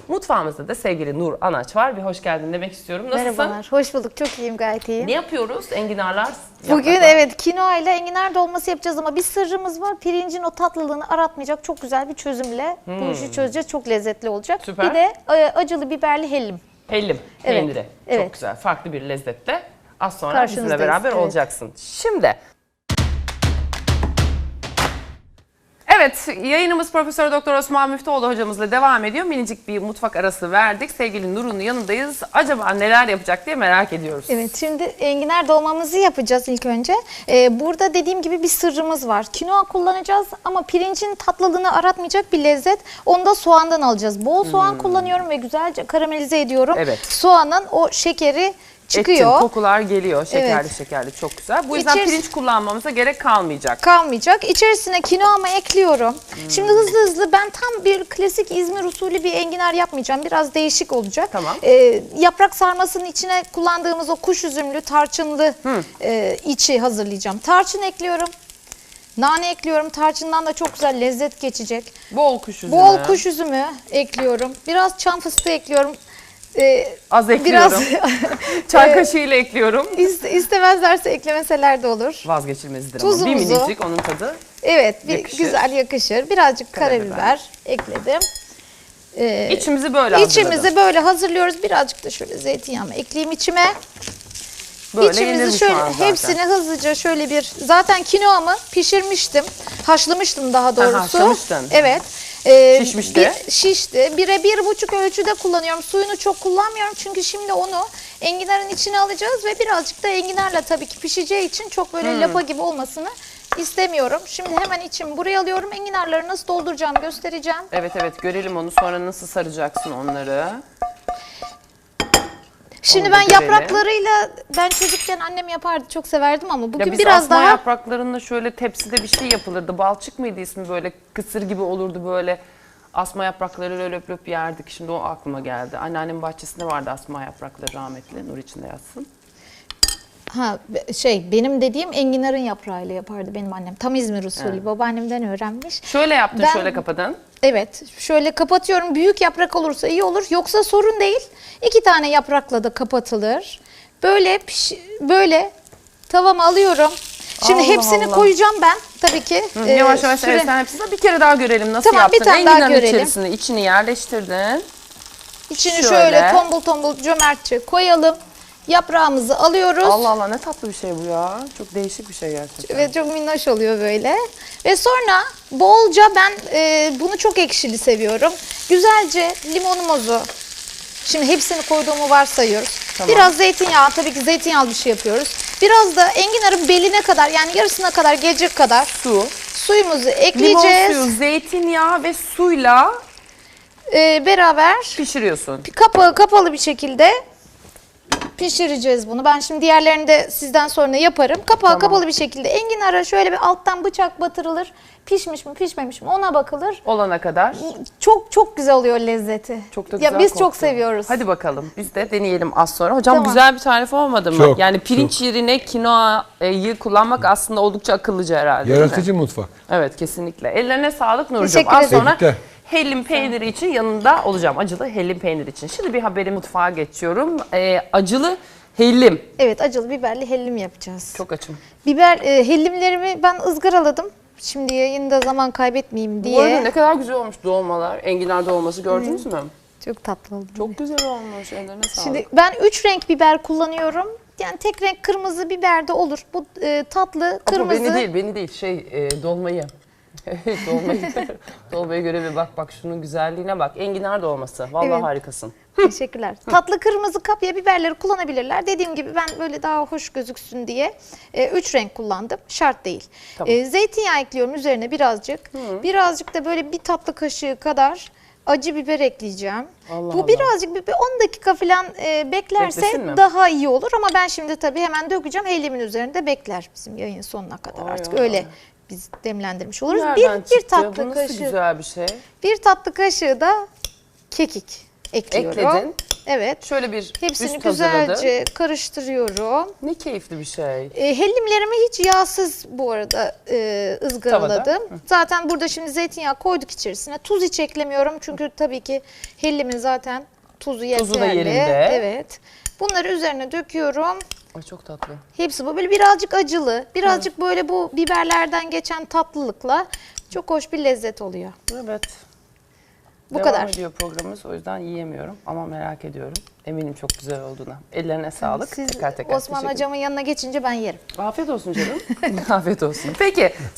Mutfağımızda da sevgili Nur Anaç var. Bir hoş geldin demek istiyorum. Nasılsın? Merhabalar, hoş bulduk. Çok iyiyim, gayet iyiyim. Ne yapıyoruz? Enginarlar. Bugün evet kinoa ile enginar dolması yapacağız ama bir sırrımız var. Pirincin o tatlılığını aratmayacak çok güzel bir çözümle bu işi çözeceğiz. Çok lezzetli olacak. Süper. Bir de acılı biberli hellim. Hellim, Evet, peyniri. evet. Çok güzel. Farklı bir lezzette. Az sonra bizimle Karşınızdayız, beraber evet. olacaksın. Şimdi... Evet, yayınımız Profesör Doktor Osman Müftüoğlu hocamızla devam ediyor. Minicik bir mutfak arası verdik. Sevgili Nur'un yanındayız. Acaba neler yapacak diye merak ediyoruz. Evet, şimdi enginar dolmamızı yapacağız ilk önce. Burada dediğim gibi bir sırrımız var. Kinoa kullanacağız ama pirincin tatlılığını aratmayacak bir lezzet. Onu da soğandan alacağız. Bol soğan kullanıyorum ve güzelce karamelize ediyorum. Evet. Soğanın o şekeri çıkıyor. Etin kokular geliyor. Şekerli Evet. şekerli, çok güzel. Bu yüzden pirinç kullanmamıza gerek kalmayacak. Kalmayacak. İçerisine kinoamı ekliyorum. Şimdi hızlı hızlı ben tam bir klasik İzmir usulü bir enginar yapmayacağım. Biraz değişik olacak. Tamam. Yaprak sarmasının içine kullandığımız o kuş üzümlü, tarçınlı içi hazırlayacağım. Tarçın ekliyorum. Nane ekliyorum. Tarçından da çok güzel lezzet geçecek. Bol kuş üzümü. Bol kuş üzümü ekliyorum. Biraz çam fıstığı ekliyorum. Az ekliyorum. Çay kaşığıyla ekliyorum. İstemezlerse eklemeseler de olur. Vazgeçilmezidir ama. Tuzumuzu. Bir minicik onun tadı. Evet, yakışır. güzel yakışır. Birazcık Karabiber. karabiber ekledim. İçimizi böyle hazırladım. İçimizi böyle hazırlıyoruz. Birazcık da şöyle zeytinyağımı ekleyeyim içime. Böyle yenir İçimizi şöyle mutfağın zaten. hepsini hızlıca şöyle bir zaten kinoamı pişirmiştim. Haşlamıştım daha doğrusu. haşlamıştın. Evet. Şişmişti. Şişti. 1'e 1,5 ölçüde kullanıyorum. Suyunu çok kullanmıyorum çünkü şimdi onu enginarın içine alacağız ve birazcık da enginarla tabii ki pişeceği için çok böyle lapa gibi olmasını istemiyorum. Şimdi hemen içimi buraya alıyorum. Enginarları nasıl dolduracağımı göstereceğim. Evet evet, görelim onu, sonra nasıl saracaksın onları. Şimdi Onu da ben görelim. yapraklarıyla ben çocukken annem yapardı, çok severdim ama Ya bugün biz biraz asma daha yapraklarında şöyle tepside bir şey yapılırdı. Balçık mıydı ismi, böyle kısır gibi olurdu böyle. Asma yaprakları löp löp yerdik. Şimdi o aklıma geldi. Anneannemin bahçesinde vardı asma yaprakları, rahmetli. Nur içinde yatsın. benim dediğim enginarın yaprağıyla yapardı benim annem. Tam İzmir usulü. Babaannemden öğrenmiş. Şöyle yaptın, Ben- şöyle kapadın. Evet, şöyle kapatıyorum. Büyük yaprak olursa iyi olur. Yoksa sorun değil. 2 tane yaprakla da kapatılır. Böyle tavama alıyorum. Şimdi Allah hepsini Allah. koyacağım ben tabii ki. Yavaş yavaş süre- evet, sen hepsini bir kere daha görelim nasıl Tamam, yaptın. bir tane daha Enginarın görelim. içerisine içini yerleştirdin. İçini Şöyle. şöyle tombul tombul cömertçe koyalım. Yaprağımızı alıyoruz. Allah Allah, ne tatlı bir şey bu ya. Çok değişik bir şey gerçekten. Ve çok minnoş oluyor böyle. Ve sonra bolca ben bunu çok ekşili seviyorum. Güzelce limonumuzu, şimdi hepsini koyduğumu varsayıyoruz. Tamam. Biraz zeytinyağı, tabii ki zeytinyağlı bir şey yapıyoruz. Biraz da enginarın beline kadar, yani yarısına kadar gelecek kadar suyumuzu Limon ekleyeceğiz. suyu, zeytinyağı ve suyla Beraber pişiriyorsun. kapağı kapalı bir şekilde pişireceğiz bunu. Ben şimdi diğerlerini de sizden sonra yaparım. Kapağı kapalı bir şekilde enginara şöyle bir alttan bıçak batırılır. Pişmiş mi pişmemiş mi ona bakılır. Olana kadar. Çok çok güzel oluyor lezzeti. Çok da güzel ya biz koktu. çok seviyoruz. Hadi bakalım biz de deneyelim az sonra. Hocam Tamam. güzel bir tarif olmadı mı? Çok, Yani pirinç yerine kinoayı kullanmak aslında oldukça akıllıca herhalde. değil mi? Yaratıcı mutfak. Evet, kesinlikle. Ellerine sağlık Nurcuğum. Teşekkür Az ederim. sonra Tebrikler. hellim peyniri için yanında olacağım. Acılı hellim peyniri için. Şimdi bir haberi mutfağa geçiyorum. Acılı hellim. Evet, acılı biberli hellim yapacağız. Çok açım. Hellimlerimi ben ızgaraladım. Şimdi yayında zaman kaybetmeyeyim Bu arada diye. ne kadar güzel olmuş dolmalar. Enginar dolması gördünüz mü? Çok tatlı oldu. Çok güzel olmuş. Ellerine sağlık. Şimdi ben 3 renk biber kullanıyorum. Yani tek renk kırmızı biber de olur. Bu tatlı Ama kırmızı. beni değil dolmayı. Dolmaya göre bir bak şunun güzelliğine bak. Enginar dolması. Vallahi Evet. harikasın. Teşekkürler. Tatlı kırmızı kapya biberleri kullanabilirler. Dediğim gibi ben böyle daha hoş gözüksün diye 3 renk kullandım. Şart değil. Tamam. Zeytinyağı ekliyorum üzerine birazcık. Birazcık da böyle bir tatlı kaşığı kadar acı biber ekleyeceğim. Allah Bu Allah. birazcık bir 10 dakika falan beklerse Beklesin mi? daha iyi olur. Ama ben şimdi tabii hemen dökeceğim. Hellimin üzerinde bekler bizim yayın sonuna kadar. Ay Artık ay öyle ay. biz demlendirmiş oluruz. Nereden Bir çıktı? tatlı Bu nasıl kaşığı. güzel bir şey. Bir tatlı kaşığı da kekik ekliyorum. Ekledin. Evet. Şöyle bir Hepsini üst hazırladım. güzelce karıştırıyorum. Ne keyifli bir şey. Hellimlerimi hiç yağsız bu arada ızgaraladım. Zaten burada şimdi zeytinyağı koyduk içerisine. Tuz hiç eklemiyorum çünkü tabii ki hellimin zaten tuzu yeterli. Tuzu da yerinde. Evet. Bunları üzerine döküyorum. Ay çok tatlı. Hepsi bu böyle birazcık acılı, birazcık böyle bu biberlerden geçen tatlılıkla çok hoş bir lezzet oluyor. Evet. Bu Devam kadar. ediyor programımız, o yüzden yiyemiyorum ama merak ediyorum. Eminim çok güzel olduğuna. Ellerine sağlık. Siz Tekrar Osman teşekkür hocamın yanına geçince ben yerim. Afiyet olsun canım. Afiyet olsun. Peki